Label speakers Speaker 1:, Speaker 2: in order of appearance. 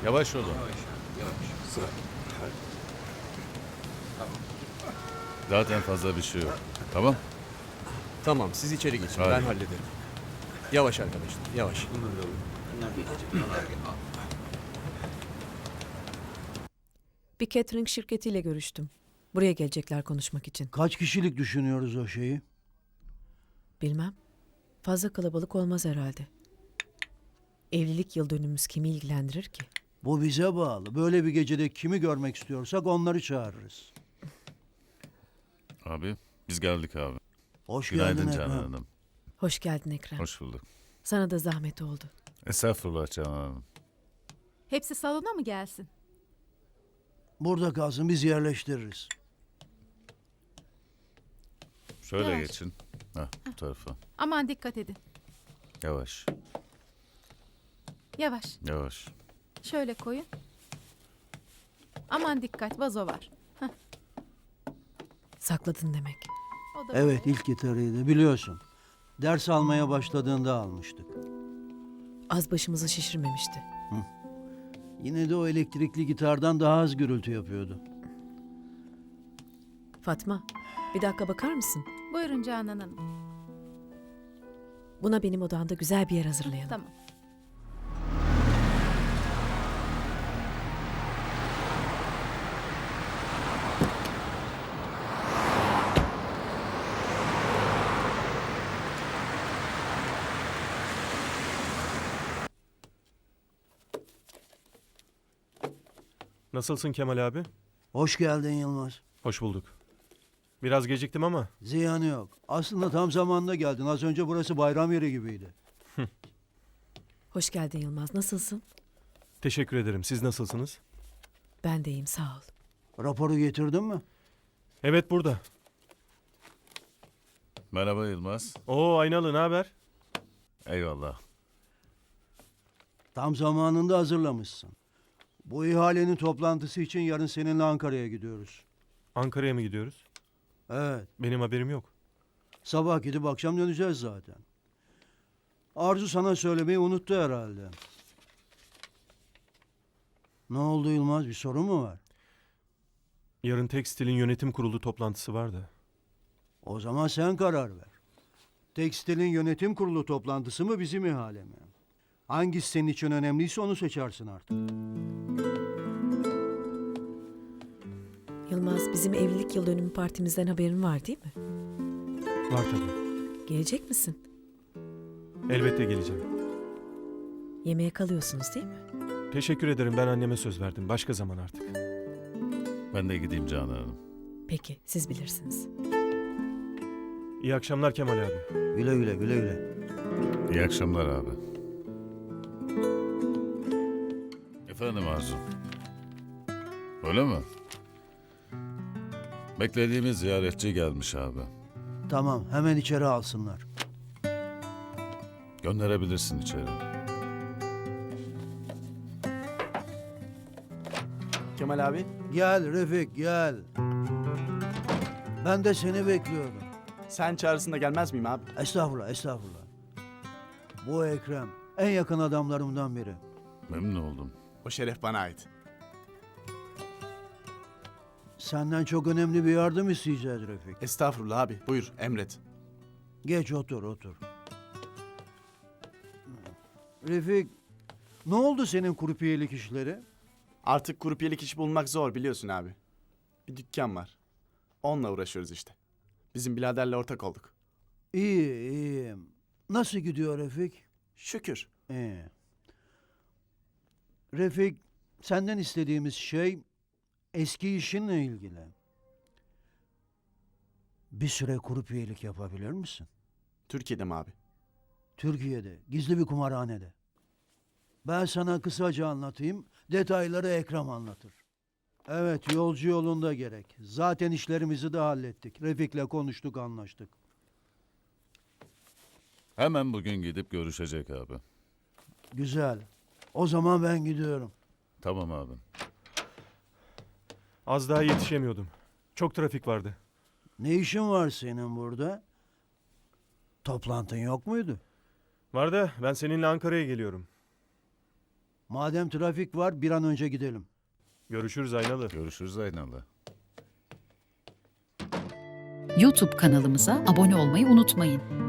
Speaker 1: Yavaş olun. Zaten fazla bir şey yok. Tamam.
Speaker 2: Tamam, siz içeri geçin.
Speaker 1: Hadi.
Speaker 2: Ben hallederim. Yavaş arkadaşlar, yavaş.
Speaker 3: Bir catering şirketiyle görüştüm. Buraya gelecekler konuşmak için.
Speaker 4: Kaç kişilik düşünüyoruz o şeyi?
Speaker 3: Bilmem. Fazla kalabalık olmaz herhalde. Evlilik yıl dönümümüz kimi ilgilendirir ki?
Speaker 4: Bu bize bağlı. Böyle bir gecede kimi görmek istiyorsak onları çağırırız.
Speaker 1: Abi biz geldik abi.
Speaker 4: Hoş
Speaker 1: Günaydın
Speaker 4: geldin
Speaker 1: Canan
Speaker 4: Ekrem.
Speaker 1: Hanım.
Speaker 3: Hoş geldin Ekrem.
Speaker 1: Hoş bulduk.
Speaker 3: Sana da zahmet oldu.
Speaker 1: Estağfurullah Canan Hanım.
Speaker 5: Hepsi salona mı gelsin?
Speaker 4: Burada kalsın, biz yerleştiririz.
Speaker 1: Şöyle
Speaker 5: Yavaş.
Speaker 1: geçin. Hah, bu tarafa.
Speaker 5: Aman dikkat edin.
Speaker 1: Yavaş.
Speaker 5: Yavaş.
Speaker 1: Yavaş.
Speaker 5: Şöyle koyun. Aman dikkat, vazo var.
Speaker 3: Sakladın demek.
Speaker 5: O da
Speaker 4: Evet,
Speaker 5: böyle.
Speaker 4: ilk gitarıydı biliyorsun. Ders almaya başladığında almıştık.
Speaker 3: Az başımızı şişirmemişti.
Speaker 4: Yine de o elektrikli gitardan daha az gürültü yapıyordu.
Speaker 3: Fatma, bir dakika bakar mısın?
Speaker 5: Buyurun Canan Hanım.
Speaker 3: Buna benim odamda güzel bir yer hazırlayalım.
Speaker 5: Tamam.
Speaker 2: Nasılsın Kemal abi?
Speaker 4: Hoş geldin Yılmaz.
Speaker 2: Hoş bulduk. Biraz geciktim ama
Speaker 4: Ziyanı yok. Aslında tam zamanında geldin. Az önce burası bayram yeri gibiydi.
Speaker 3: Hoş geldin Yılmaz. Nasılsın?
Speaker 2: teşekkür ederim. Siz nasılsınız?
Speaker 3: Ben de iyiyim, sağ ol.
Speaker 4: Raporu getirdin mi?
Speaker 2: Evet burada.
Speaker 1: Merhaba Yılmaz.
Speaker 2: Oo Aynalı, ne haber?
Speaker 1: Eyvallah.
Speaker 4: Tam zamanında hazırlamışsın. Bu ihalenin toplantısı için yarın seninle Ankara'ya gidiyoruz.
Speaker 2: Ankara'ya mı gidiyoruz?
Speaker 4: Evet.
Speaker 2: Benim haberim yok.
Speaker 4: Sabah gidip akşam döneceğiz zaten. Arzu sana söylemeyi unuttu herhalde. Ne oldu Yılmaz? Bir sorun mu var?
Speaker 2: Yarın Tekstil'in yönetim kurulu toplantısı var da.
Speaker 4: O zaman sen karar ver. Tekstil'in yönetim kurulu toplantısı mı bizim ihale mi? Hangisi senin için önemliyse onu seçersin artık.
Speaker 3: Yılmaz, bizim evlilik yıl dönümü partimizden haberin var değil mi?
Speaker 2: Var tabii.
Speaker 3: Gelecek misin?
Speaker 2: Elbette geleceğim.
Speaker 3: Yemeğe kalıyorsunuz değil mi?
Speaker 2: Teşekkür ederim, ben anneme söz verdim. Başka zaman artık.
Speaker 1: Ben de gideyim Canan Hanım.
Speaker 3: Peki, siz bilirsiniz.
Speaker 2: İyi akşamlar Kemal abi.
Speaker 4: Güle güle güle güle.
Speaker 1: İyi akşamlar abi. Efendim Arzu. Öyle mi? Beklediğimiz ziyaretçi gelmiş abi.
Speaker 4: Tamam, hemen içeri alsınlar.
Speaker 1: Gönderebilirsin içeri.
Speaker 6: Kemal abi,
Speaker 4: Gel Refik gel. Ben de seni bekliyordum.
Speaker 6: sen çağrısında gelmez miyim abi?
Speaker 4: Estağfurullah estağfurullah. Bu Ekrem en yakın adamlarımdan biri.
Speaker 1: Memnun oldum.
Speaker 6: O şeref bana ait.
Speaker 4: Senden çok önemli bir yardım isteyeceğiz Refik.
Speaker 6: Estağfurullah abi, buyur emret.
Speaker 4: Geç otur otur. Refik, ne oldu senin kurupiyelik işleri?
Speaker 6: Artık grupiyelik iş bulmak zor biliyorsun abi. Bir dükkan var. Onunla uğraşıyoruz işte. Bizim biraderle ortak olduk.
Speaker 4: İyi iyiyim. Nasıl gidiyor Refik?
Speaker 6: Şükür.
Speaker 4: İyi. Refik, senden istediğimiz şey eski işinle ilgili. Bir süre kurupiyelik yapabilir misin?
Speaker 6: Türkiye'de mi abi?
Speaker 4: Türkiye'de, gizli bir kumarhanede. Ben sana kısaca anlatayım, detayları Ekrem anlatır. Evet, yolcu yolunda gerek. Zaten işlerimizi de hallettik. Refik'le konuştuk, anlaştık.
Speaker 1: Hemen bugün gidip görüşecek abi.
Speaker 4: Güzel. O zaman ben gidiyorum.
Speaker 1: Tamam abi.
Speaker 2: Az daha yetişemiyordum. Çok trafik vardı.
Speaker 4: Ne işin var senin burada? Toplantın yok muydu?
Speaker 2: Var da ben seninle Ankara'ya geliyorum.
Speaker 4: Madem trafik var bir an önce gidelim.
Speaker 2: Görüşürüz Aynalı.
Speaker 1: Görüşürüz Aynalı.
Speaker 7: YouTube kanalımıza abone olmayı unutmayın.